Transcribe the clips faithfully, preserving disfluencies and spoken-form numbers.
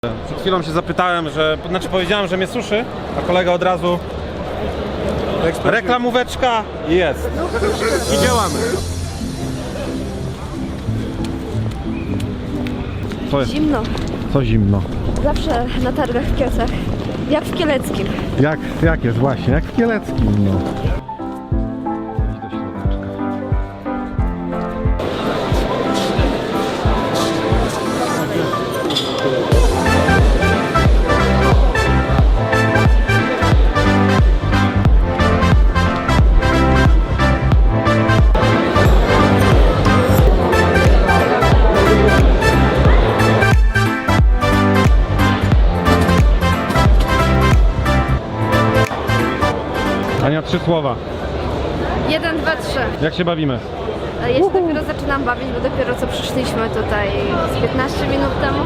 Przed chwilą się zapytałem, że, znaczy powiedziałem, że mnie suszy, a kolega od razu reklamóweczka i jest. I działamy. Co jest? Zimno. Co zimno? Zawsze na targach w Kielcach. Jak w Kieleckim. Jak, jak jest właśnie, jak w Kieleckim, no. Idź do środeczka. Ania, trzy słowa. Jeden, dwa, trzy. Jak się bawimy? Ja się dopiero zaczynam bawić, bo dopiero co przyszliśmy tutaj z piętnaście minut temu.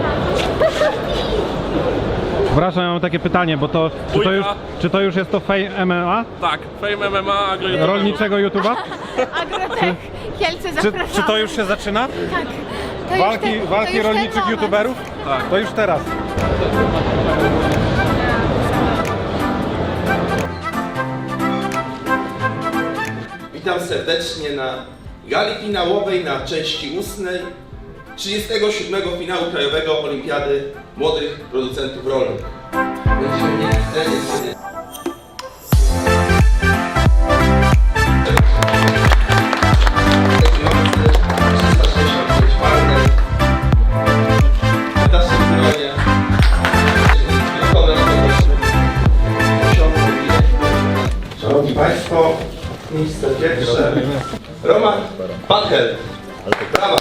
Przepraszam, ja mam takie pytanie, bo to czy, to już, czy to już jest to Fame M M A? Tak, Fame M M A, agro Rolniczego YouTube'a? Agrotech, Kielce Czy, zapraszamy. czy to już się zaczyna? Tak. To Walki, już ten, walki to już ten rolniczych moment. YouTuberów? Tak. To już teraz. Witam serdecznie na gali finałowej na części ustnej trzydziestego siódmego finału Krajowego Olimpiady Młodych Producentów Rolnych. Będziemy mieli w scenie sobie Szanowni Państwo, miejsce pierwsze Roman Pachel. Brawa!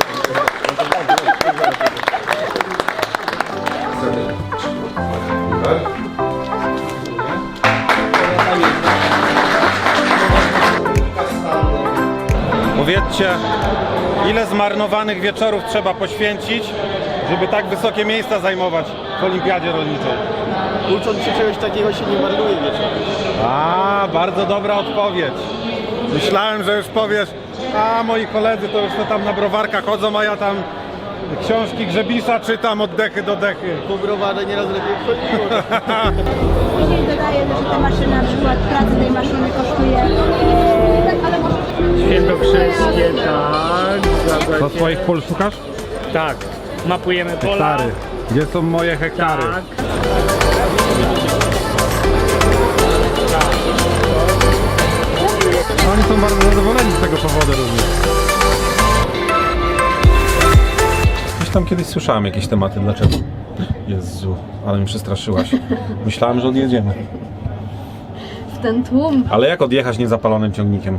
Powiedzcie, ile zmarnowanych wieczorów trzeba poświęcić, żeby tak wysokie miejsca zajmować w Olimpiadzie Rolniczej? Ucząc się czegoś takiego się nie marnuje wieczorem. A, bardzo dobra odpowiedź. Myślałem, że już powiesz, a moi koledzy to już to tam na browarkach chodzą, a ja tam książki Grzebisa czytam od dechy do dechy. Po browarze nieraz lepiej wchodziło. Później dodaję, że ta maszyna, na przykład praca tej maszyny kosztuje, e, ale może... Świętokrzyskie, tak, zgadza Do się. swoich pól szukasz? Tak, mapujemy pola. Hektary. Gdzie są moje hektary? Tak. Oni są bardzo zadowoleni z tego powodu również. Gdzieś tam kiedyś słyszałem jakieś tematy, dlaczego? Jezu, ale mi przestraszyłaś. Myślałem, że odjedziemy. W ten tłum. Ale jak odjechać niezapalonym ciągnikiem?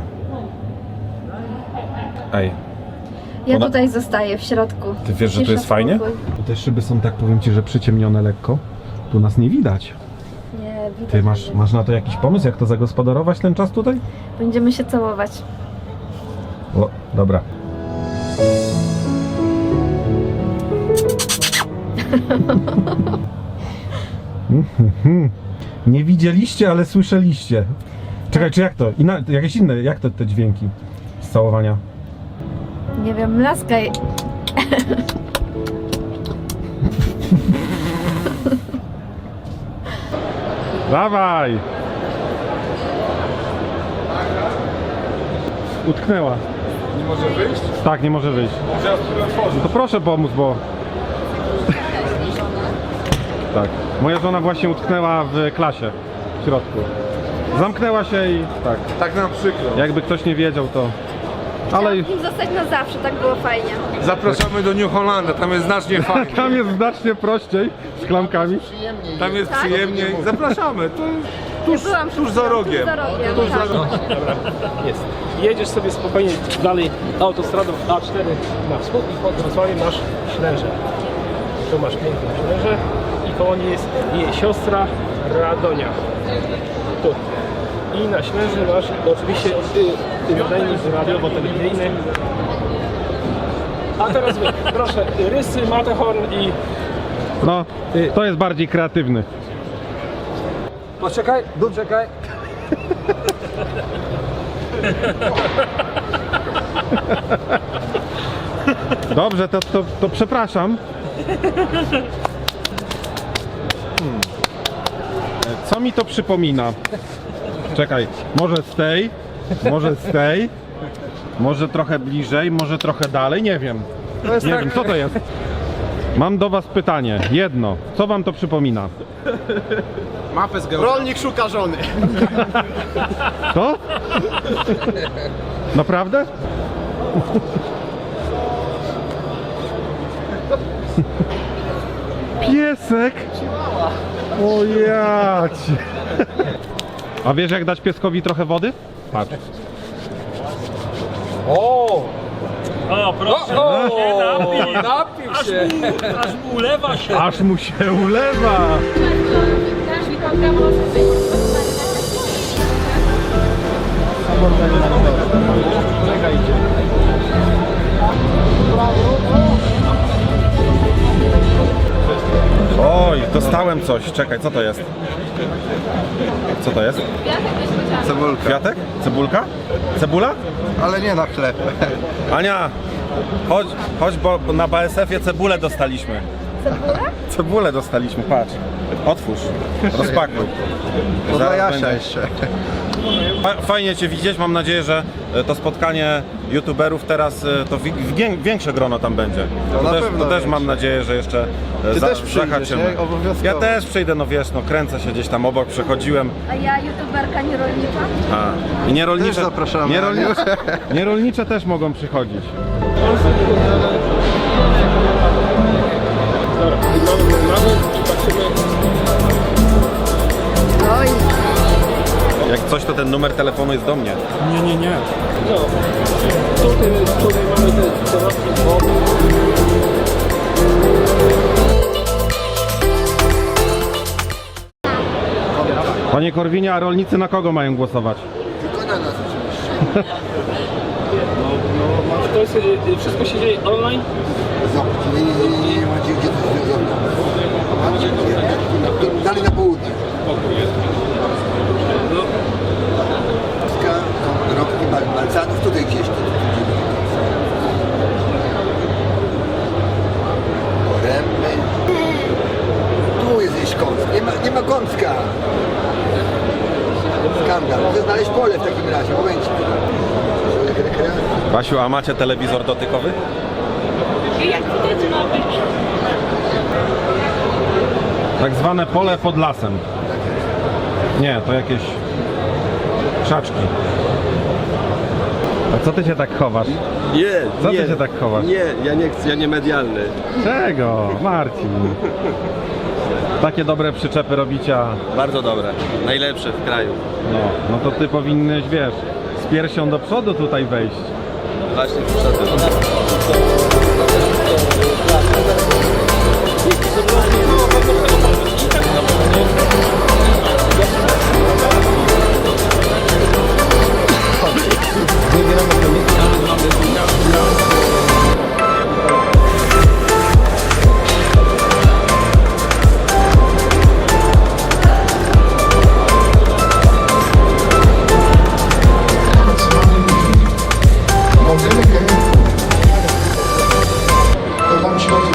Ej, Ja Ona- tutaj zostaję w środku. ty wiesz, że tu Cisza, jest fajnie? spokój. Te szyby są, tak powiem ci, że przyciemnione lekko. Tu nas nie widać. Nie, widać. Ty masz, masz na to jakiś pomysł, jak to zagospodarować ten czas tutaj? Będziemy się całować. O, dobra. Nie widzieliście, ale słyszeliście. Czekaj, czy jak to? Inna, jakieś inne, jak to te dźwięki z całowania? Nie wiem, mlaskaj. Dawaj! Utknęła. Nie może wyjść? Tak, nie może wyjść. Może ja spróbuję otworzyć. To proszę pomóc, bo... Tak. Moja żona właśnie utknęła w klasie w środku. Zamknęła się i tak. Tak nam przykro. Jakby ktoś nie wiedział, to... Ale Chciałabym zostać na zawsze, tak było fajnie. Zapraszamy do New Hollanda, tam jest znacznie fajniej. tam jest znacznie prościej z klamkami. Tam jest Tak? przyjemniej. Zapraszamy, to tuż, Byłam tuż za rogiem. Tuż za rogiem, Tuż za tak. rogiem. Jest. Jedziesz sobie spokojnie dalej autostradą A cztery na wschód i pod Wrocławiem masz Ślęże. Tu masz piękne Ślęże i koło niej jest jej siostra Radonia. Tu. I na Ślęży masz oczywiście y, nadajnik radiowo-telewizyjny. A teraz wy, proszę, rysy, Matterhorn i... No, to jest bardziej kreatywny. Poczekaj, poczekaj. Dobrze, to, to, to przepraszam. mi to przypomina? Czekaj, może z tej, może z tej, może trochę bliżej, może trochę dalej, nie wiem. Nie wiem, co to jest? Mam do was pytanie, jedno. Co wam to przypomina? Mapę z geografii. Rolnik szuka żony. Co? Naprawdę? Piesek? O ja cię. A wiesz jak dać pieskowi trochę wody? Patrz. O, proszę, O, się napił. napił Aż się. mu, aż mu ulewa się. Aż mu się ulewa. Oj, dostałem coś. Czekaj, co to jest? Co to jest? Cebulka. Kwiatek? Cebulka? Cebula? Ale nie na chleb. Ania, chodź, chodź, bo na B S F-ie cebulę dostaliśmy. Cebulę? Cebulę dostaliśmy, patrz. Otwórz, rozpakuj. To dla Zaraz Jasia będzie. jeszcze. Fa- Fajnie cię widzieć, mam nadzieję, że e, to spotkanie youtuberów teraz e, to wi- wię- większe grono tam będzie. No to na też, pewno to też większe. mam nadzieję, że jeszcze e, Ty za, też przyjdziesz, zahaczymy. nie? Obowiązkowo. Ja też przyjdę, no wiesz, no kręcę się gdzieś tam obok, przechodziłem. A ja youtuberka nie rolnicza? A, i nierolnicze, Też zapraszamy, nierolnicze, nierolnicze też mogą przychodzić. Dobra, mamy, mamy i patrzymy. Oj, Jak coś, to ten numer telefonu jest do mnie. Nie, nie, nie. No, tutaj, tutaj mamy te dodatki wody. Panie Korwinie, a rolnicy na kogo mają głosować? Tylko na nas oczywiście. To jest, y, y, wszystko się dzieje online? Zobacz, nie, nie, nie, nie, nie ma gdzie, gdzie to się zrobić. Dalej na południe. Polska, no, robki Bal- Balcanów, tutaj gdzieś. Tu, tu, tu, Poręby. Tu jest gdzieś kąsk. Nie ma, nie ma kąska. Skandal. Muszę znaleźć pole w takim razie. Momencik. Basiu, a macie telewizor dotykowy? Tak zwane pole pod lasem. Nie, to jakieś krzaczki. A co ty się tak chowasz? Nie, Co nie. ty się tak chowasz? Nie, ja nie chcę, ja nie medialny. Czego? Marcin. Takie dobre przyczepy robicie, a Bardzo dobre. Najlepsze w kraju. no, no to ty powinnyś, wiesz, z piersią do przodu tutaj wejść. Właśnie przyszedłem. To tam się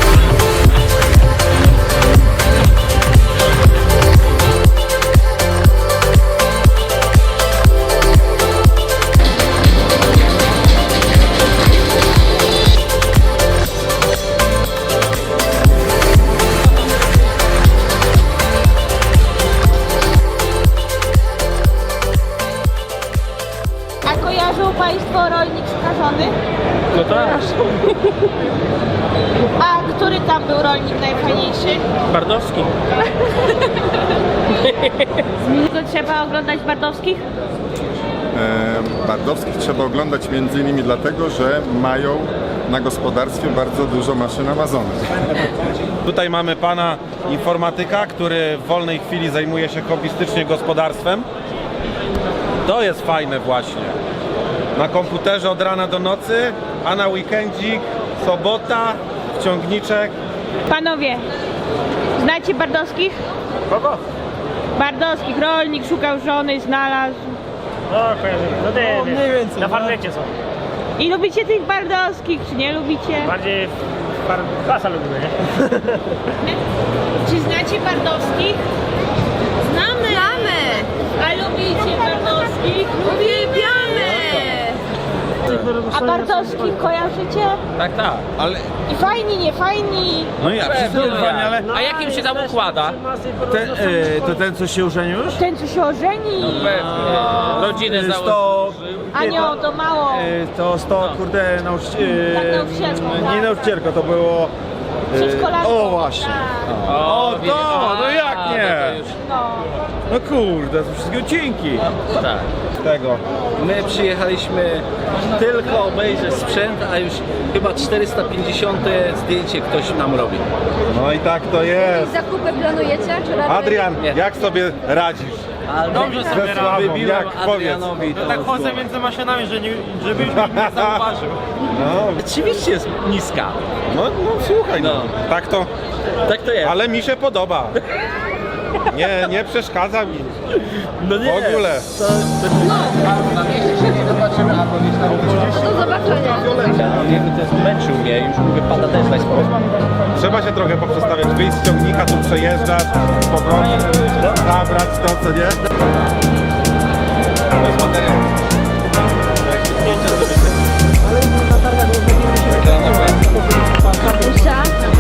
A kojarzą Państwo rolnik skażony? No tak. A który tam był rolnik najfajniejszy? Bardowski. To trzeba oglądać Bardowskich? E, Bardowskich trzeba oglądać między innymi dlatego, że mają na gospodarstwie bardzo dużo maszyn Amazonek. Tutaj mamy pana informatyka, który w wolnej chwili zajmuje się hobbystycznie gospodarstwem. To jest fajne właśnie. Na komputerze od rana do nocy, a na weekendzik, sobota, wciągniczek. Panowie, znacie Bardowskich? Kogo? Bardowskich, rolnik szukał żony, znalazł. No, kojarzymy. No ty, mniej więcej. Na farmecie są. I lubicie tych Bardowskich, czy nie lubicie? Bardziej par... klasa lubimy, nie? Czy znacie Bardowskich? Znamy! Bardowskich kojarzycie? Tak, tak. Ale, I fajni, nie fajni. no ja, wszyscy odwani, ale... A jak im się tam układa? Ten, e, to ten, co się ożenił już? Ten, co się ożeni. Pewnie. Rodzinę założył. sto, Anio, to mało. e, to sto, kurde, nauczyciel... Tak, nauczycielką, Nie tak. nauczycielko, to było... Przedszkolanką. O, właśnie. Tak. O, wie- to, no jak a, nie? no to już- No. No kurde, to wszystkie odcinki. Tak. Tego. My przyjechaliśmy tylko obejrzeć sprzęt, a już chyba czterysta pięćdziesiąte zdjęcie ktoś nam robi. No i tak to jest. Zakupy planujecie? Czy raczej... Adrian, jak sobie radzisz? A Dobrze ze sobie sławą, wybiłem jak? Powiedz. Adrianowi to Tak z chodzę głowy. między maszynami, że nie, żebyś mnie nie zauważył. No, Oczywiście jest niska. no, no słuchaj, no. No. Tak to, Tak to jest. ale mi się podoba. Nie, nie przeszkadza mi. No nie. W ogóle. To, to... Do zobaczenia. Jakby to zmęczył mnie, już mu wypada też dać spokój. Trzeba się trochę poprzestawiać. Wyjść z ciągnika, tu przejeżdżać, z powrotem, zabrać to, co nie? To jest materiał. Kapusia.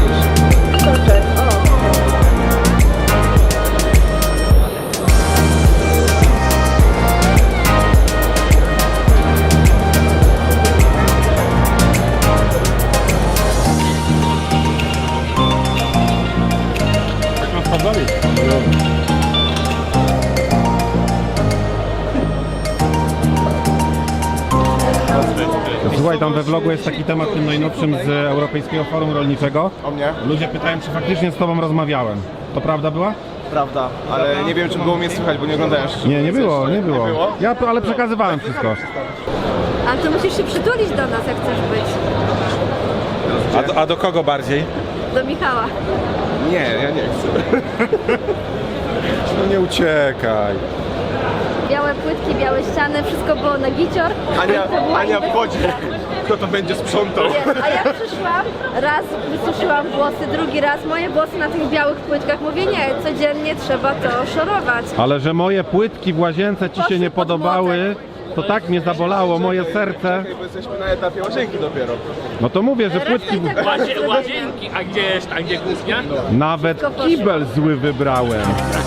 Słuchaj, tam we vlogu jest taki temat tym najnowszym z Europejskiego Forum Rolniczego. O mnie? Ludzie pytają, czy faktycznie z tobą rozmawiałem. To prawda była? Prawda, ale nie wiem, czy było mnie słychać, bo nie oglądałem jeszcze. Nie, nie było, nie było. Nie było? Ja, ale przekazywałem wszystko. Ale to musisz się przytulić do nas, jak chcesz być. A do, a do kogo bardziej? Do Michała. Nie, ja nie chcę. No nie uciekaj. Białe płytki, białe ściany, wszystko było na gicior. Ania, To była Ania inwestycja. wchodzi. Kto to będzie sprzątał? Nie, a ja przyszłam, raz wysuszyłam włosy, drugi raz moje włosy na tych białych płytkach. Mówię, nie, codziennie trzeba to szorować. Ale że moje płytki w łazience ci się Poszły nie pod podobały, to tak mnie zabolało moje serce. Bo jesteśmy na etapie łazienki dopiero. No to mówię, że płytki... Reszta i tak Łazie, łazienki, a gdzie jest, a gdzie kuchnia? Nawet kibel zły wybrałem.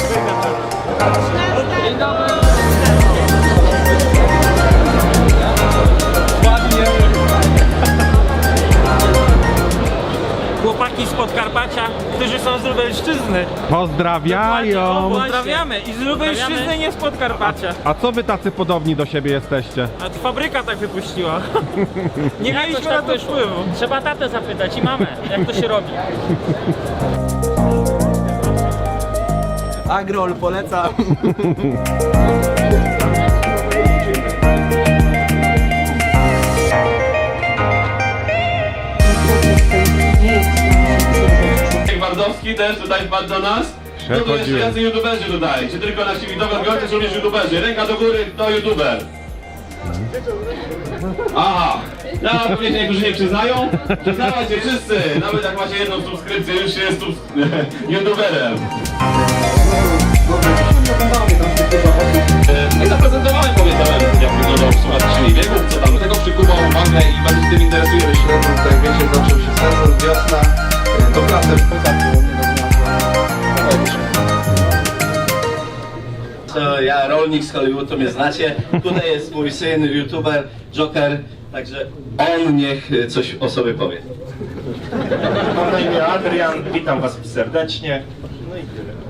Chłopaki z Podkarpacia, którzy są z Lubelszczyzny. Pozdrawiają! Pozdrawiamy i z Lubelszczyzny, nie z Podkarpacia. A co wy tacy podobni do siebie jesteście? A to fabryka tak wypuściła. Nie mieliśmy na to wpływu. Trzeba tatę zapytać i mamę, jak to się robi. Agrol polecam. Bardowski też tutaj wpadł do nas. No to jeszcze jacy youtuberzy tutaj. Czy tylko nasi widzowie goście, czy również youtuberzy? Ręka do góry, to youtuber. Aha, teraz pewnie się niektórzy nie przyznają. Przyznawajcie wszyscy, nawet jak macie jedną subskrypcję, już się jest subs- youtuberem. No i zaprezentowałem, powiedziałem, jak wyglądał w sumie trzydzieści wieków, co tam do tego przykuwał uwagę i bardzo się tym interesujemy. Śledzą tutaj, wiecie, zaczął się sezon, wiosna, to pracę w posadku. To ja, rolnik z Hollywoodu, mnie znacie. Tutaj jest mój syn, youtuber, Joker, także on niech coś o sobie powie. Mam na imię Adrian, witam was serdecznie. No i tyle.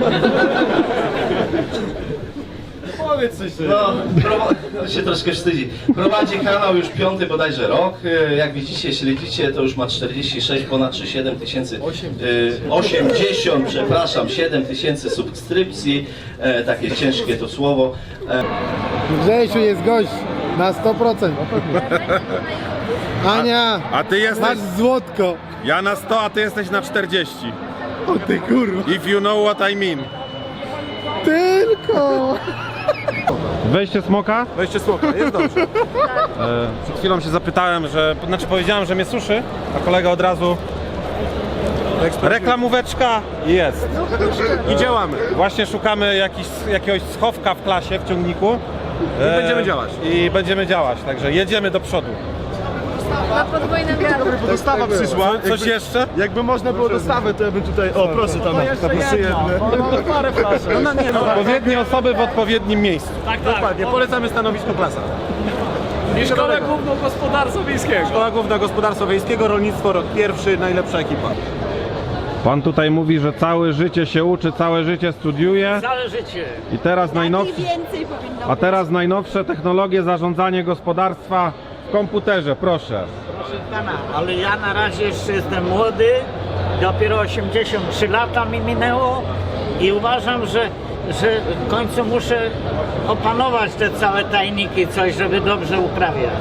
Powiedz coś sobie. No, on się troszkę wstydzi. Prowadzi kanał już piąty bodajże rok. Jak widzicie, śledzicie, to już ma czterdzieści sześć, ponad trzydzieści siedem tysięcy, osiemdziesiąt, przepraszam, siedem tysięcy subskrypcji. E, takie ciężkie to słowo. E, Grzesiu jest gość na sto procent. Ania, A ty jesteś... masz złotko. Ja na sto, a ty jesteś na czterdzieści. O ty kurwa. If you know what I mean. Tylko. Wejście smoka? Weźcie smoka, jest dobrze. E, przed chwilą się zapytałem, że... Znaczy powiedziałem, że mnie suszy, a kolega od razu... Reklamóweczka jest. I działamy. Właśnie szukamy jakiś, jakiegoś schowka w klasie, w ciągniku. I będziemy działać. I będziemy działać, także jedziemy do przodu. Na podwójnym wiatru. Dostawa przyszła. Coś jeszcze? Jakby można było dostawę, to ja bym tutaj... O, proszę tam, proszę jedne. Parę flaszek. No nie, no, Odpowiednie osoby w odpowiednim miejscu. Tak, tak. dokładnie. Polecamy stanowisko klasa. I Szkoła Główną Gospodarstwa Wiejskiego. Szkoła Główna Gospodarstwa Wiejskiego, Rolnictwo, rok pierwszy, najlepsza ekipa. Pan tutaj mówi, że całe życie się uczy, całe życie studiuje. Całe życie. I teraz najnowsze, Więcej powinno a teraz najnowsze technologie zarządzania gospodarstwa w komputerze, proszę. Proszę pana, ale ja na razie jeszcze jestem młody, dopiero osiemdziesiąt trzy lata mi minęło i uważam, że, że w końcu muszę opanować te całe tajniki, coś, żeby dobrze uprawiać.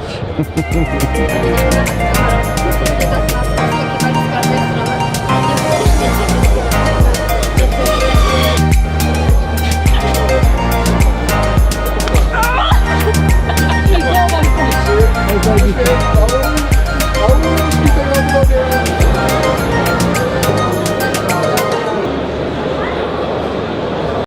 Thank you.